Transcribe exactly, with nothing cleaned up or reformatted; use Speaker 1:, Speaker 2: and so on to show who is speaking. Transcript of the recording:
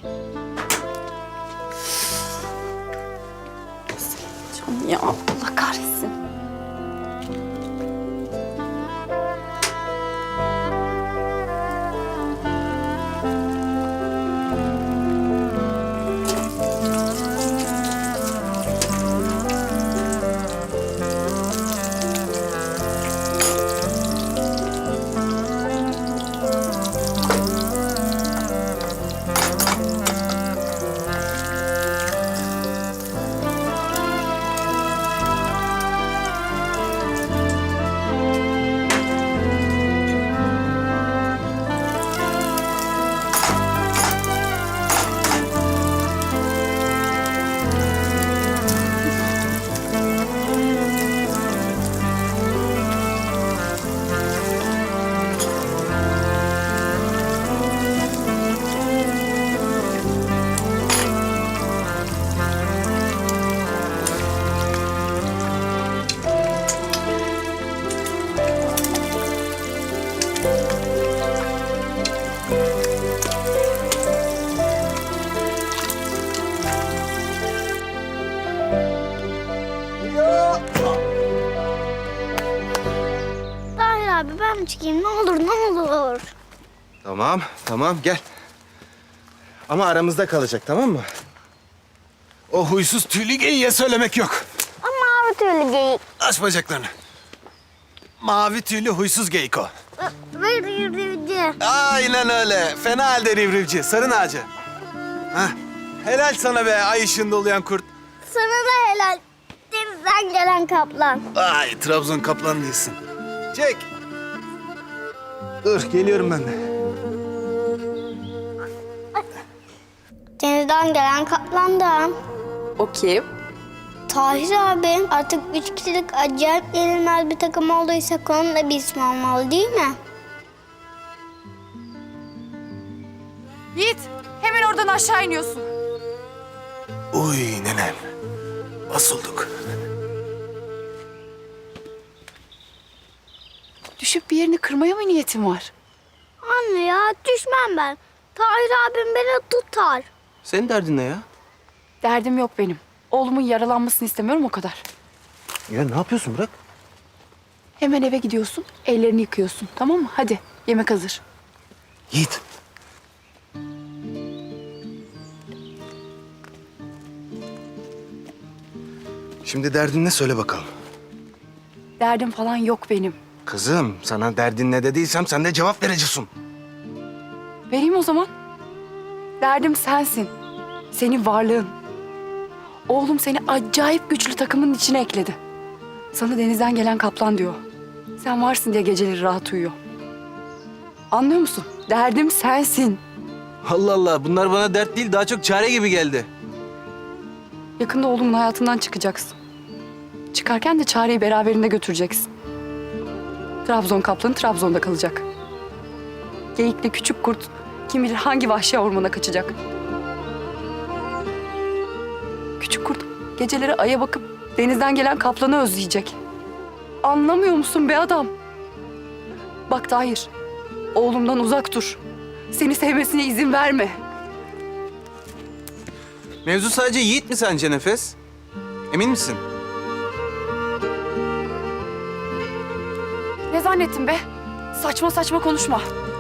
Speaker 1: Can ya, Allah kahretsin.
Speaker 2: Tahir abi ben mi çıkayım? Ne olur ne olur.
Speaker 3: Tamam, tamam gel. Ama aramızda kalacak, tamam mı? O huysuz tüylü geyiğe söylemek yok.
Speaker 2: Ama mavi tüylü geyik.
Speaker 3: Aç bacaklarını. Mavi tüylü huysuz geyik o.
Speaker 2: Ve rivrivci.
Speaker 3: Aynen öyle. Fena halde rivrivci, sarı ağacı. Hah. Helal sana be ay ışığında uluyan kurt.
Speaker 2: Sana da helal. Denizden gelen kaplan.
Speaker 3: Ay Trabzon kaplan değilsin. Çek. Dur geliyorum ben de.
Speaker 2: Denizden gelen kaplan da.
Speaker 1: O kim?
Speaker 2: Tahir abi artık üç kişilik acayip yenilmez bir takım olduysa onun da bir ismi olmalı değil mi?
Speaker 1: Yiğit, hemen oradan aşağı iniyorsun.
Speaker 3: Uy nenem. Basıldık.
Speaker 1: Düşüp bir yerini kırmaya mı niyetin var?
Speaker 2: Anne ya düşmem ben. Tahir abim beni tutar.
Speaker 3: Senin derdin ne ya?
Speaker 1: Derdim yok benim. Oğlumun yaralanmasını istemiyorum o kadar.
Speaker 3: Ya ne yapıyorsun bırak.
Speaker 1: Hemen eve gidiyorsun, ellerini yıkıyorsun. Tamam mı? Hadi, yemek hazır.
Speaker 3: Yiğit. Şimdi derdin ne söyle bakalım.
Speaker 1: Derdim falan yok benim.
Speaker 3: Kızım sana derdin ne dediysem sen de cevap vereceksin.
Speaker 1: Vereyim o zaman. Derdim sensin. Senin varlığın. Oğlum seni acayip güçlü takımın içine ekledi. Sana denizden gelen kaplan diyor. Sen varsın diye geceleri rahat uyuyor. Anlıyor musun? Derdim sensin.
Speaker 3: Allah Allah bunlar bana dert değil daha çok çare gibi geldi.
Speaker 1: Yakında oğlumun hayatından çıkacaksın. Çıkarken de çareyi beraberinde götüreceksin. Trabzon kaplanı Trabzon'da kalacak. Geyikli küçük kurt kim bilir hangi vahşi ormana kaçacak. Küçük kurt geceleri aya bakıp denizden gelen kaplanı özleyecek. Anlamıyor musun be adam? Bak Tahir, oğlumdan uzak dur. Seni sevmesine izin verme.
Speaker 3: Mevzu sadece Yiğit mi sence Nefes? Emin misin?
Speaker 1: Ne zannettin be? Saçma saçma konuşma.